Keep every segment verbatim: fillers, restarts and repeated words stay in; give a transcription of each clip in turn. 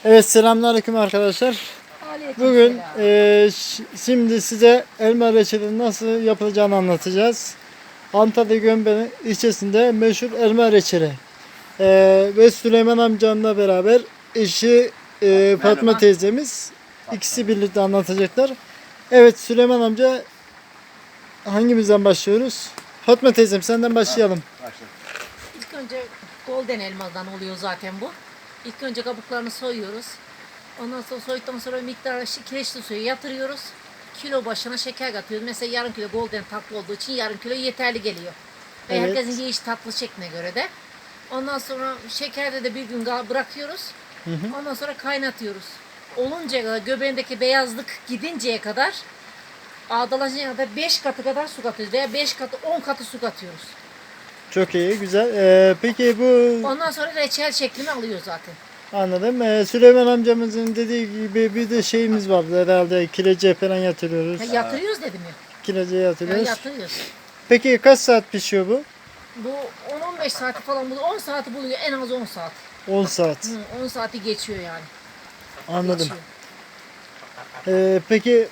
Evet, selamünaleyküm arkadaşlar. Bugün e, şimdi size elma reçeli nasıl yapılacağını anlatacağız. Antalya Gömbeli ilçesinde meşhur elma reçeli. E, ve Süleyman amcamla beraber eşi e, Fatma teyzemiz ikisi birlikte anlatacaklar. Evet Süleyman amca, hangimizden başlıyoruz? Fatma teyzem, senden başlayalım. İlk önce golden elmadan oluyor zaten bu. İlk önce kabuklarını soyuyoruz. Ondan sonra soyduktan sonra miktarı kireçli suya yatırıyoruz. Kilo başına şeker katıyoruz. Mesela yarım kilo golden tatlı olduğu için yarım kilo yeterli geliyor. Ve Evet. herkesin yiyiş tatlı şekline göre de. Ondan sonra şekerde de bir gün bırakıyoruz. Hı hı. Ondan sonra kaynatıyoruz. Oluncaya kadar, göbeğindeki beyazlık gidinceye kadar, ağdalaşıncaya kadar beş katı kadar su katıyoruz. Veya beş katı, on katı su katıyoruz. Çok iyi, güzel. E, peki bu... Ondan sonra reçel şeklini alıyor zaten. Anladım. Ee, Süleyman amcamızın dediği gibi bir de şeyimiz vardı herhalde. Kilece falan yatırıyoruz. Ha, yatırıyoruz dedim ya. Kilece Ya yatırıyoruz. yatırıyoruz. Peki kaç saat pişiyor bu? Bu on on beş saati falan buluyor. on saati buluyor. En az on saat. on saat. Hı, on saati geçiyor yani. Anladım. Geçiyor. Ee, peki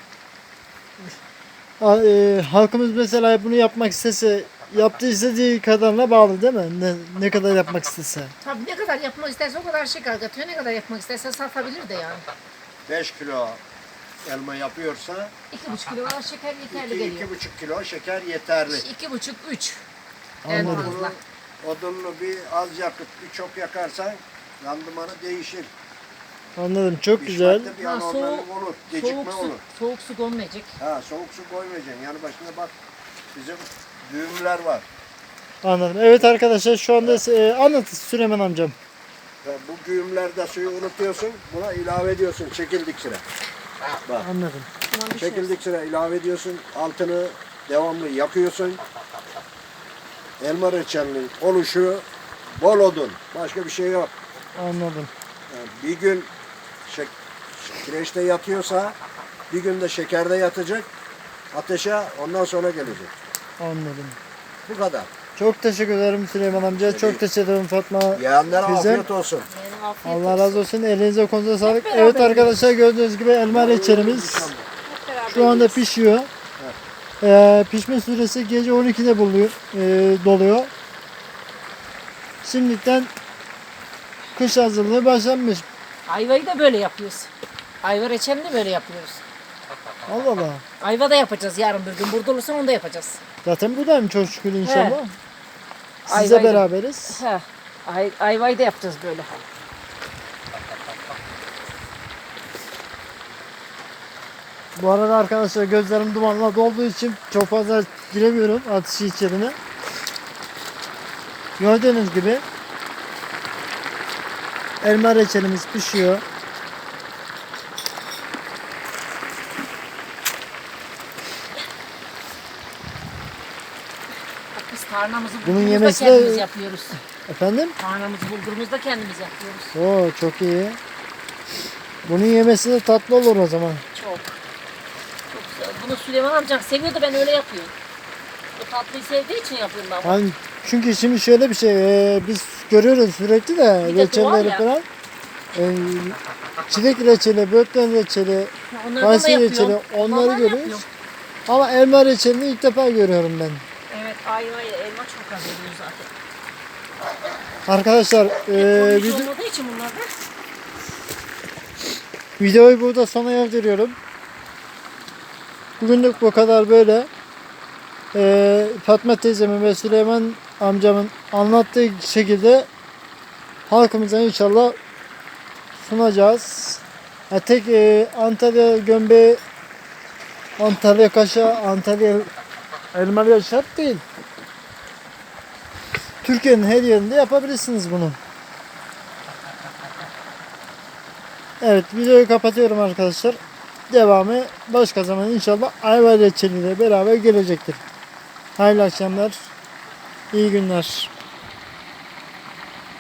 a- e, halkımız mesela bunu yapmak istese, yaptığı istediği kadarına bağlı değil mi? Ne, ne kadar yapmak istese. Tabii ne kadar yapmak isterse o kadar şeker katıyor. Ne kadar yapmak isterse satabilir de yani. beş kilo elma yapıyorsa iki buçuk kilo kadar şeker yeterli iki geliyor. buçuk kilo şeker yeterli. iki buçuk üç en Anladım. fazla. Odununu bir az yakıp bir çok yakarsan randımanı değişir. Anladım. Çok güzel. Pişmekte bir Ha, anormallik soğuk- olur, gecikme Soğuk su, olur. soğuk su konmayacak. Ha, soğuk su koymayacaksın. Yani başına bak, bizim düğümler var. Anladım. Evet arkadaşlar, şu anda e, anlatın Süleyman amcam. Ve bu güğümlerde suyu unutuyorsun, buna ilave ediyorsun çekildik sıra. Bak, Anladım. Aman düşmesin. çekildik sıra ilave ediyorsun, altını devamlı yakıyorsun. Elma reçelinin oluşu bol odun, başka bir şey yok. Anladım. Yani bir gün şek kireçte yatıyorsa bir gün de şekerde yatacak ateşe, ondan sonra gelecek. Anladım. Bu kadar. Çok teşekkür ederim Süleyman amca. Çok teşekkür ederim Fatma Yiyenlere teyzem. afiyet olsun. Yani afiyet Allah olsun. razı olsun. Elinize kolunuza sağlık. beraber Evet arkadaşlar, gördüğünüz gibi elma reçelimiz Hep beraber şu anda yiyoruz. pişiyor. Ee, pişme süresi gece on ikide buluyor, e, doluyor. Şimdiden kış hazırlığı başlanmış. Ayvayı da böyle yapıyoruz. Ayva reçelini de böyle yapıyoruz. Allah Allah. Ayva da yapacağız yarın bir gün. Burada olursa onu da yapacağız. Zaten buradayım çok şükür inşallah. He. Sizle Ayvayı da- beraberiz. He. Ay, ayvayı da yapacağız böyle. Bu arada arkadaşlar, gözlerim dumanla dolduğu için çok fazla giremiyorum ateşi içerine. Gördüğünüz gibi elma reçelimiz pişiyor. Bak biz tarhanamızı Bunun bulgurumuzu da yemesi de- kendimiz yapıyoruz. Efendim? Tarhanamızı bulgurumuzu da kendimiz yapıyoruz. Oo, çok iyi. Bunun yemesi de tatlı olur o zaman. Çok. Çok güzel. Bunu Süleyman amcam seviyordu, ben öyle yapıyorum. O tatlıyı sevdiği için yapıyorum ben. bunu. Yani çünkü şimdi şöyle bir şey, e, biz görüyoruz sürekli de Bir de reçelleri doğal ya. falan. E, çilek reçeli, böğürtlen reçeli, Onlardan da kayısı yapıyorum. reçeli, onları Onlardan görüyoruz. yapıyorum. Ama elma reçelini ilk defa görüyorum ben. Evet, ayva ile elma çok az oluyor zaten. Arkadaşlar, e, Koruyucu video, olmadığı için bunlar da. videoyu burada sona erdiriyorum. Bugünlük bu kadar böyle. E, Fatma teyzemin ve Süleyman amcamın anlattığı şekilde halkımıza inşallah sunacağız. Ha, tek e, Antalya gömbeği, Antalya kaşa, Antalya elmalı şart değil. Türkiye'nin her yerinde yapabilirsiniz bunu. Evet, videoyu kapatıyorum arkadaşlar. Devamı başka zaman inşallah ayva reçeliyle beraber gelecektir. Hayırlı akşamlar, iyi günler.